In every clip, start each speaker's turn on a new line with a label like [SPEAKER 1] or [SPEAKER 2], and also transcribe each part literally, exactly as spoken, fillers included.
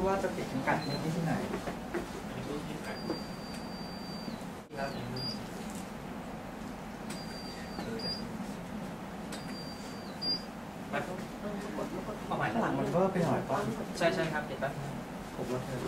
[SPEAKER 1] ว่าจะติดกัดในที่ไหน
[SPEAKER 2] เอาใหม่
[SPEAKER 1] ข้างหลังมันก็ไปหน่อยป่ะ
[SPEAKER 2] ใช่ใช่ครับเด็ดแป๊บผมลองเธอ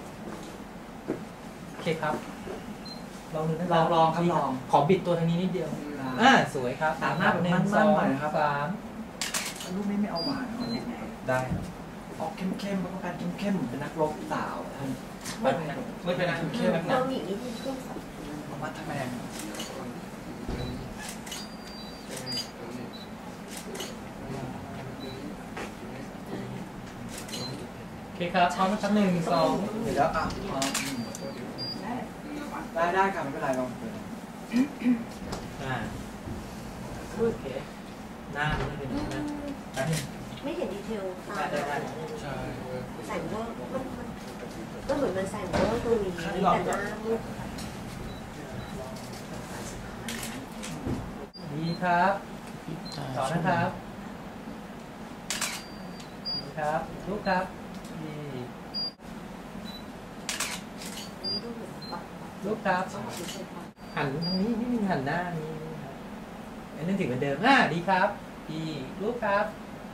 [SPEAKER 2] โอเคครับลองดูนะ
[SPEAKER 1] ลองลองครับลอง
[SPEAKER 2] ขอบิดตัวทางนี้นิดเดียวอ่าสวยครับ
[SPEAKER 1] ตามหน้าแบบ
[SPEAKER 2] หนึ่ง
[SPEAKER 1] มั่
[SPEAKER 2] สอน
[SPEAKER 1] ๆ
[SPEAKER 2] ง
[SPEAKER 1] หน่อยนะครับ
[SPEAKER 2] สาม
[SPEAKER 1] ลูกนี้ไม่เอาหวานเอาเนี่ย
[SPEAKER 2] ได้
[SPEAKER 1] ออกเข้มๆเพราะการเข้มๆเป็นนักรบสาวท่าน
[SPEAKER 2] ไม่เป็นไรไม่เป็นไรเข้มแบบ
[SPEAKER 3] เรา
[SPEAKER 2] นั้น
[SPEAKER 3] หนีวิธีเครื่องสับ
[SPEAKER 1] มัดทำแมง
[SPEAKER 2] โอเคครับพร้อมนะครับหนึ่งสอง
[SPEAKER 1] เดี๋ยวแล้วอ่ะพอได้ได้ค่ะไม่เป็นไรลองเปิด
[SPEAKER 2] อ่าโอเคหน้ามันเป็นอย่างนั้นแป๊บนึง
[SPEAKER 3] ไม่เห็นดีเทลตา
[SPEAKER 2] ได้ได้ได้
[SPEAKER 3] ใส่เวอร์มันก็เหมือนมันใส่เวอร์ตรงนี้แต่หน้ามืด
[SPEAKER 2] ดีครับต่อนะครับดีครับลูกครับดี
[SPEAKER 3] นี่ดูเหมือนปัก
[SPEAKER 2] ลูกครับ
[SPEAKER 3] ต้องเฉยๆปัก
[SPEAKER 2] หันทางนี้นิดนึงหันหน้านี้ครับอันนี้ถึงเหมือนเดิมอ่าดีครับดีลูกครับ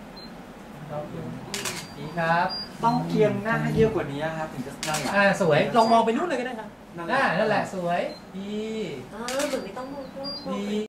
[SPEAKER 2] ดีครับ
[SPEAKER 1] ต้องเคียงหน้าให้เยอะกว่านี้ครับถึงจะนั่งหลัง
[SPEAKER 2] อ่าสวยลองมองไปนู่นเลยก็ได้ครับ
[SPEAKER 1] นั่น
[SPEAKER 2] อ่านั่นแหละ
[SPEAKER 1] ส
[SPEAKER 2] สวยดี
[SPEAKER 3] เออเหมือนไม่ต้องมองกล้องมอง
[SPEAKER 2] ดี
[SPEAKER 3] ไป